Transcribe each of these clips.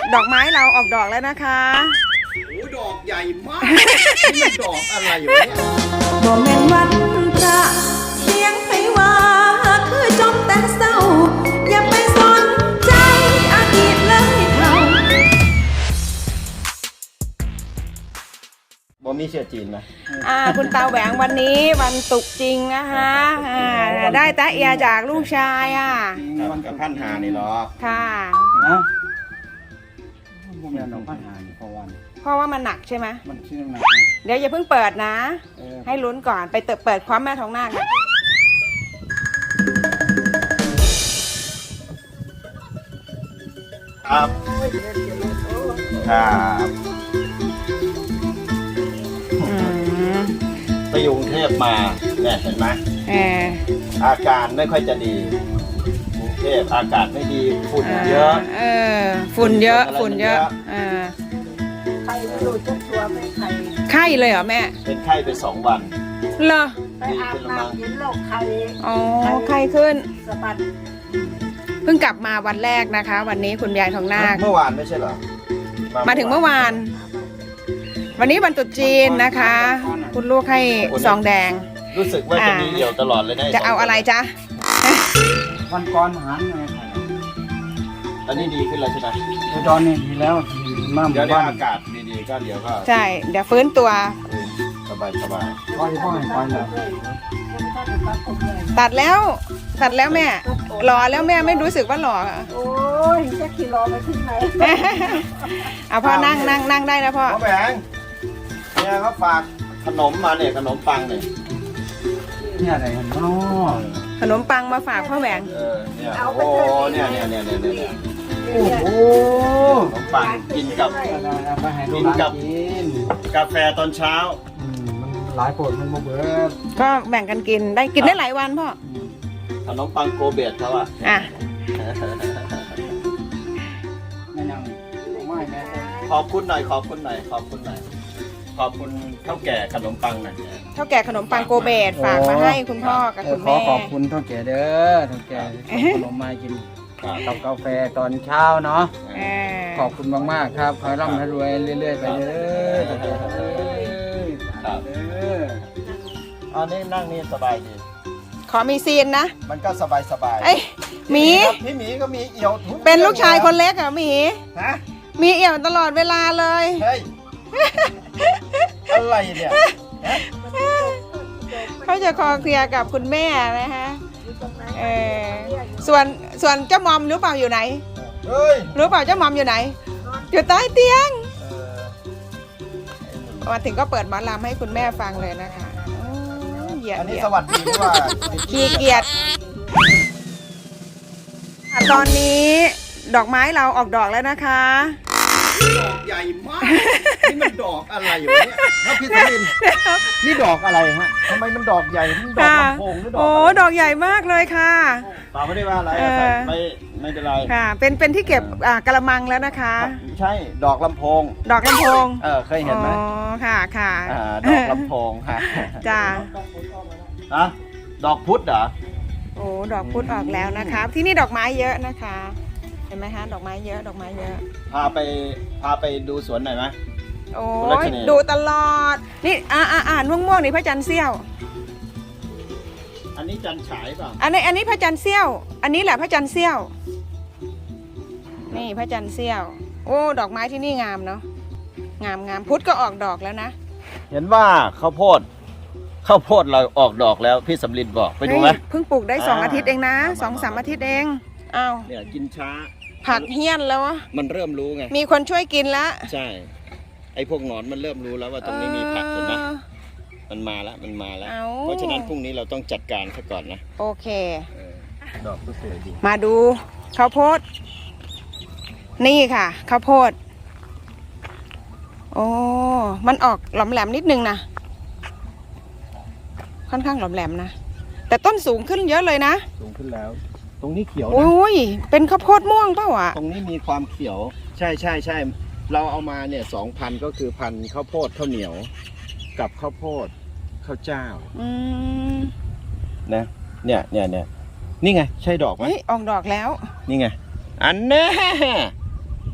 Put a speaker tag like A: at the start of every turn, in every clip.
A: ดอกไม้เราออกดอกแล้วนะคะ
B: โอ้ดอกใหญ่มากนี่มันดอกอะไรอยู่เนี่ย
A: บ่แม่นวันพระเสียงไผว่าคือจมแต่เศร้าอย่าไปสนใจอดีตเลยเท่า
B: บ่มีเชื้อจีนไหม
A: คุณตาแหวงวันนี้วันตุกจริงนะคะได้ตะเอียจากลูกชาย
B: วันกับพันหานี่หรอ
A: ค่ะ
C: นะผมอยากลองพันหานี่เพราะ
A: ว่ามันหนักใช่ไหม
C: มันชื่อหนัก
A: เดี๋ยวอย่าเพิ่งเปิดนะให้ลุ้นก่อนไปเปิดความแม่ท้องนาค
B: ครับครับไปอยู่กรุงเทพมาเนี่ยเห็นไหมอาการไม่ค่อยจะดีกรุงเทพอากาศไม่ดีฝุ่นเยอะ
A: ฝุ่นเยอะไข้ไม่รู้จักตัวแม่ไข้เลยเหรอแม่
B: เป็นไข้ไป2 วัน
A: เหรอ
D: ไปอาบน้ำกินโรคไข้
A: อ๋อไข้ขึ้น
D: สะบัด
A: เพิ่งกลับมาวันแรกนะคะวันนี้คุณยายทองนาค
B: เมื่อวานไม่ใช่เหรอ
A: มาถึงเมื่อวานวันนี้วันตรุษจีนนะคะคุณลูกให้ซองแดง
B: รู้สึกว่าจะมีเหี่ยวตลอดเลยนะ
A: จะเอาอะไรจ๊ะ
C: วันก่อนหารไง
B: ตอนนี้ดีขึ้นแล้วใช่ไหม
C: ตอนนี้ดีแล้ว
B: เดี๋ยวอากาศดีๆก็เดี๋ยวก็
A: ใช่เดี๋ยวฟื้นตัว
B: สบาย
C: พ่อแล้ว
A: ตัดแล้วแม่หล่อแล้วแม่ไม่รู้สึกว่าหล่อ
D: โอ้ยจะขี่รอไปที่ไหน
A: เอาพ่อนั่งได้นะพ่อ
B: แบงเนี่ยเขาฝากขนมมาเนี่ยขนมปัง
C: เนี่ยอะไรเนาะ
A: ขนมปังมาฝากพ่อแหวง
B: เนี่ยโอ้เนี่ย
C: โอ้โห
B: ขนมปังกินกับกาแฟตอนเช้า
C: มันหลายคนมันเบิด
A: ก็แบ่งกันกินได้หลายวันพ่อ
B: ขนมปังโกเบตเขาขอบคุณหน่อยขอบคุณเท่าแก่ขนมปังหน่อย
A: เท่าแก่ขนมปังโกเบตฝากมาให้คุณพ่อกับคุณแม่
C: ขอบคุณเท่าแก่เด้อเท่าแก่ขนมมากินกับกาแฟตอนเช้าเนาะขอบคุณมากๆครับขอให้ร่ำให้รวยเรื่อยๆไปเด้อ
B: อันนี้นั่งนี่สบายดี
A: ขอมีซีนนะ
B: มันก็สบาย
A: หมี
B: พี่หมีก็มีเอี่ยว
A: เป็นลูกชายคนเล็กหมีมีเอี่ยวตลอดเวลาเลย
B: เฮ้ยอะไรเนี่ย
A: เขาจะคอเคลียร์กับคุณแม่นะคะส่วนเจ้ามอมรู้เปล่าอยู่ไหนรู้เปล่าเจ้ามอมอยู่ไหนอยู่ใต้เตียงมาถึงก็เปิดหมอลำให้คุณแม่ฟังเลยนะคะ
B: อันนี้สวัสดีว่า
A: ขี้เกียจตอนนี้ดอกไม้เราออกดอกแล้วนะคะ
B: ดอกใหญ่มากนี่มันดอกอะไรอยู่เนี่ยพี่สมินนี่ดอกอะไรฮะทำไมมันดอกใหญ่นี่ดอกลำโพงหรือดอก
A: ดอกใหญ่มากเลยค่ะ
B: เปล่าไม่ได้ว่าอะไรไม่เป็นไร
A: ค่ะเป็นที่เก็บกระมังแล้วนะคะ
B: ใช่ดอกลำโพงเคยเห็นไหม
A: ค่ะ
B: ดอกลำโพงค่ะ
A: จ้า
B: ดอกพุธเหรอ
A: โอ้ดอกพุธออกแล้วนะคะที่นี่ดอกไม้เยอะนะคะเห็นไหมฮะดอกไม้เยอะพ
B: าไปดูสวนหน่อยไหม
A: โอ้ยดูตลอดนี่อ่านม่วงนี่พระจันทร์เสี้ยว
B: อันนี้จันฉายป่ะ
A: อันนี้พระจันทร์เสี้ยวอันนี้แหละพระจันทร์เสี้ยวนี่พระจันทร์เสี้ยวโอ้ดอกไม้ที่นี่งามเนาะงามพุธก็ออกดอกแล้วนะ
B: เห็นว่าข้าวโพดเราออกดอกแล้วพี่สำลินบอกไปดูไหม
A: เพิ่งปลูกได้2 อาทิตย์เองนะ2-3 อาทิตย์เองอ้าว
B: เนี่ยกินช้า
A: ผักเฮี้ยนแล้ว
B: มันเริ่มรู้ไง
A: มีคนช่วยกินแล้ว
B: ใช่ไอ้พวกหนอนมันเริ่มรู้แล้วว่าตรงนี้มีผักเห็นไหมมันมาแล้วเพราะฉะนั้นพรุ่งนี้เราต้องจัดการซะก่อนนะ
A: โอเค
B: ดอกก็สวยดี
A: มาดูข้าวโพดนี่ค่ะข้าวโพดโอ้มันออกหลอมแหลมนิดนึงนะค่อนข้างหลอมแหลมนะแต่ต้นสูงขึ้นเยอะเลยนะ
B: สูงขึ้นแล้วตรงนี้เขียวนะ
A: โอ้ยเป็นข้าวโพดม่วงเปล่า
B: ตรงนี้มีความเขียวใช่เราเอามาเนี่ย2,000ก็คือพันข้าวโพดข้าวเหนียวกับข้าวโพดข้าวเจ้านะเนี่ยนี่ไงใช่ดอกไหม
A: ออกดอกแล้ว
B: นี่ไงอันแน่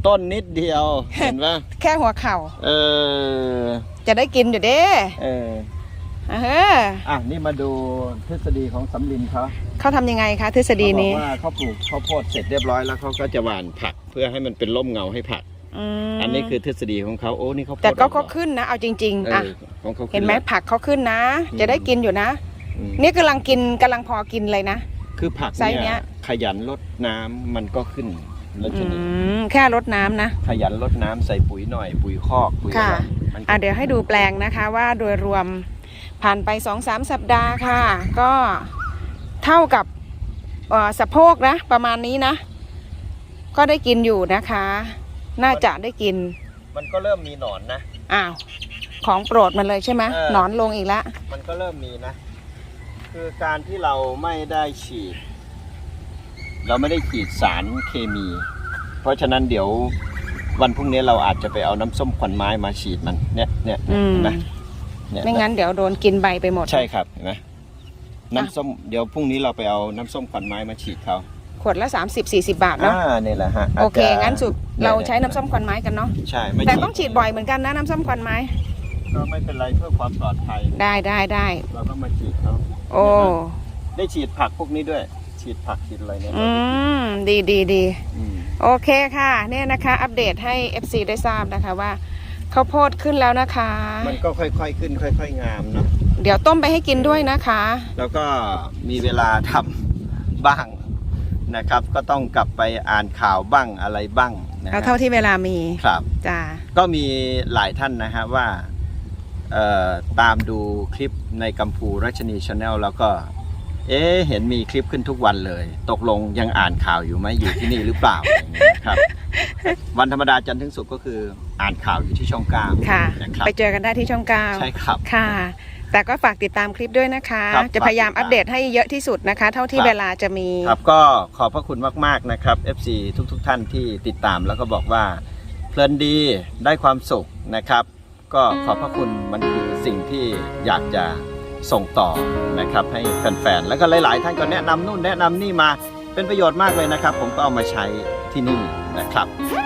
B: ต้นนิดเดียว เห็นปะ
A: แค่หัวเข่า
B: เออ
A: จะได้กินอยู่เด้
B: เออ
A: อ่ะ
B: นี่มาดูทฤษฎีของสำลินเขา
A: เขาทำยังไงคะทฤษฎี
B: เขาบอ
A: นี้
B: กว่าเขาปลูกข้าวโพดเสร็จเรียบร้อยแล้วเขาก็จะหว่านผักเพื่อให้มันเป็นร่มเงาให้ผัก อันนี้คือทฤษฎีของเขาโอ้นี่เขา
A: แต่ก็เขาขึ้นนะ เอาจริงๆ อ่ะ
B: ของเขาขึ้
A: เห็นไหม
B: แล้ว
A: ผักเขาขึ้นนะ
B: อืม
A: จะได้กินอยู่นะ
B: อืม
A: นี่กำลังพอกินเลยนะ
B: คือผัก
A: ไซส์เนี้
B: เนี่ย ยขยันรดน้ำมันก็ขึ้นแล้วชนิด
A: แค่รดน้ำนะ
B: ขยันรดน้ำใส่ปุ๋ยหน่อย ปุ๋ยคอกปุ๋ย
A: ค่ะ
B: อะไรมันก็
A: เดี๋ยวให้ดูแปลงนะคะว่าโดยรวมผ่านไป 2-3 สัปดาห์ค่ะ ก็เท่ากับสะโพกนะประมาณนี้นะ ก็ได้กินอยู่นะคะ น่าจะได้กิน
B: มันก็เริ่มมีหนอนนะ
A: อ้าวของโปรดมันเลยใช่ไหม
B: เออ
A: หนอนลงอีกแล้ว
B: มันก็เริ่มมีนะ คือการที่เราไม่ได้ฉีด เราไม่ได้ฉีดสารเคมี เพราะฉะนั้นเดี๋ยววันพรุ่งนี้เราอาจจะไปเอาน้ำส้มขวัญไม้มาฉีดมันเนี่ยเห็นไหมเนี่ย
A: ไม่งั้นเดี๋ยวโดนกินใบไปหมด
B: ใช่ครับเห็นไหมน้ำส้มเดี๋ยวพรุ่งนี้เราไปเอาน้ำส้มขวัญไม้มาฉีดเขา
A: ขวดละ30-40 บาทเนาะ
B: นี่แหละฮะ
A: โอเค
B: าจจะ
A: งั้นสุดเรา
B: เนี่ย
A: ใช้น้ำส้มควันไม้กันเนาะ
B: ใช่ไม่
A: แต่ต้องฉีดบ่อยเหมือนกันนะน้ำส้มควันไม้
B: ก็ไม่เป็นไรเพื่อความปลอดภัย
A: ได้
B: เราก็มาฉีดเขา
A: โอ้
B: ได้ฉีดผักพวกนี้ด้วย ฉีดผักฉีดอะไรเนี่ย
A: ดี
B: อืม
A: โอเคค่ะเนี่ยนะคะ อัปเดตให้ FC ได้ทราบนะคะว่าข้าวโพดขึ้นแล้วนะคะ
B: มันก็ค่อยๆขึ้นค่อยๆงามเนาะ
A: เดี๋ยวต้มไปให้กินด้วยนะคะ
B: แล้วก็มีเวลาทำบ้างนะครับ ก็ต้องกลับไปอ่านข่าวบ้างอะไรบ้างนะ
A: เอา
B: ฮะ
A: เท่าที่เวลามี
B: ครับ
A: จ้า
B: ก็มีหลายท่านนะฮะว่าตามดูคลิปในกัมพูรัชนีชาแนลแล้วก็เห็นมีคลิปขึ้นทุกวันเลย ตกลงยังอ่านข่าวอยู่ไหมอยู่ที่นี่หรือเปล่าอย่างเงี้ยครับ วันธรรมดาจันทร์ถึงศุกร์ก็คืออ่านข่าวอยู่ที่ช่องเก้า
A: ค่ะ
B: นะครับ
A: ไปเจอกันได้ที่ช่องเก้า
B: ใช่ครับ
A: ค่ะ แต่ก็ฝากติดตามคลิปด้วยนะคะ
B: ครับ
A: จะพยายามอัปเดตให้เยอะที่สุดนะคะ เท่าที่
B: ครับ
A: เวลาจะมี
B: ครับก็ขอบพระคุณมากๆนะครับ FC ทุกท่านที่ติดตามแล้วก็บอกว่าเพลินดีได้ความสุขนะครับ ก็ขอบพระคุณมันคือสิ่งที่อยากจะส่งต่อนะครับให้แฟนๆแล้วก็หลายๆท่านก็แนะนำนู่นแนะนำนี่มาเป็นประโยชน์มากเลยนะครับ ผมก็เอามาใช้ที่นี่นะครับ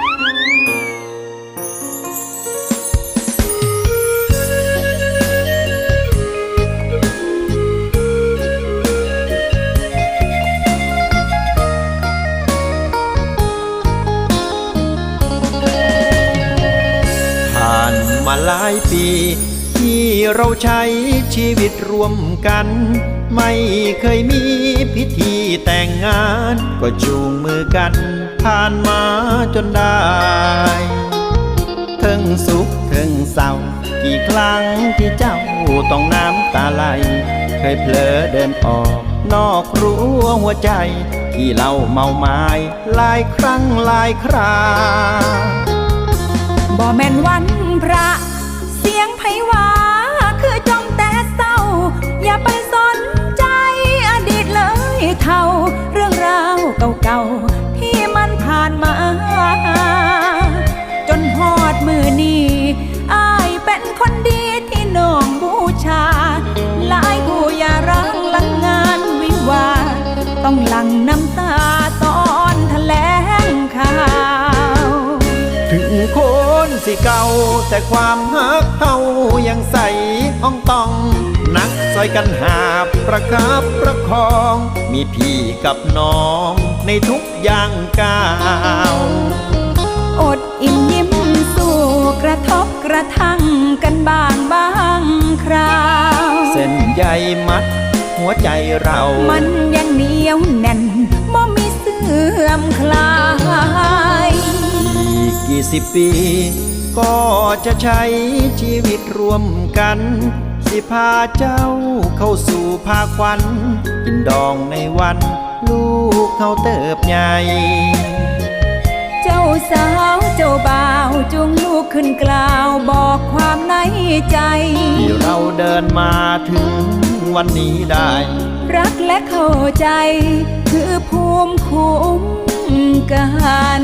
B: ผ่านมาหลายปีที่เราใช้ชีวิตร่วมกัน ไม่เคยมีพิธีแต่งงานก็จูงมือกันผ่านมาจนได้ถึงสุขถึงเศร้ากี่ครั้งที่เจ้าต้องน้ำตาไหลเคยเผลอเดินออกนอกรั้วหัวใจที่เราเมาไม้หลายครั้งหลายครา
E: บ่แม่นวันพระเสียงไผว่าคือจ้องแต่เศร้า อย่าไปสนใจอดีตเลยเท่าเรื่องราวเก่าๆที่มันผ่านมา จนฮอดมือนี้อ้ายเป็นคนดีที่น้องบูชา หลายผู้อย่ารังหลังงานวิวาห์ต้องหลั่งน้ำตาตอนแถลงข่าว
B: ถึงคนสิเก่าแต่ความฮักเฮายังใสอ่องต้องนักซอยกันหาประคับประคอง มีพี่กับน้องในทุกอย่างก้าว
E: อดอิ่มยิ้มสู้กระทบกระทั่งกันบางคราว
B: เส้นใยมัดหัวใจเรา
E: มันยังเหนียวแน่นบ่มีเสื่อมคลาย
B: อีกกี่สิบปี ก็จะใช้ชีวิตร่วมกัน สิพาเจ้าเข้าสู่ภาควันกินดองในวันลูกเขาเติบใหญ่
E: เจ้าสาวเจ้าบ่าวจุงลูกขึ้นกล่าวบอกความในใจ
B: ที่เราเดินมาถึงวันนี้ได้
E: รักและเข้าใจคือภูมิคุ้มกัน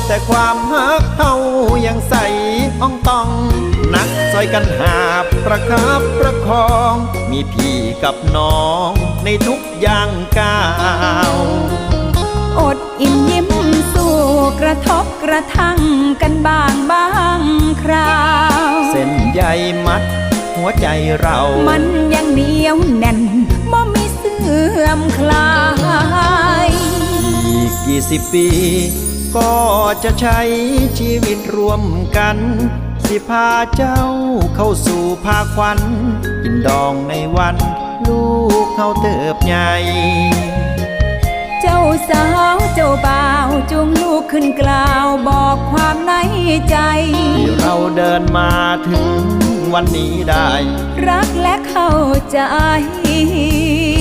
B: แต่ความฮักเฮายังใสอ่องต้อง นักซอยกันหาประคับประคอง มีพี่กับน้องในทุกย่างก้าว
E: อดอิ่มยิ้มสู้กระทบกระทั่งกันบ้างคราว
B: เส้นใยมัดหัวใจเรา
E: มันยังเหนียวแน่นบ่มีเสื่อมคลาย
B: อีก20 ปีก็จะใช้ชีวิตรวมกัน สิพาเจ้าเข้าสู่ภาควัน กินดองในวันลูกเขาเติบใหญ่
E: เจ้าสาวเจ้าบ่าวจูงลูกขึ้นกล่าวบอกความในใจ
B: ที่เราเดินมาถึงวันนี้ได้
E: รักและเข้าใจ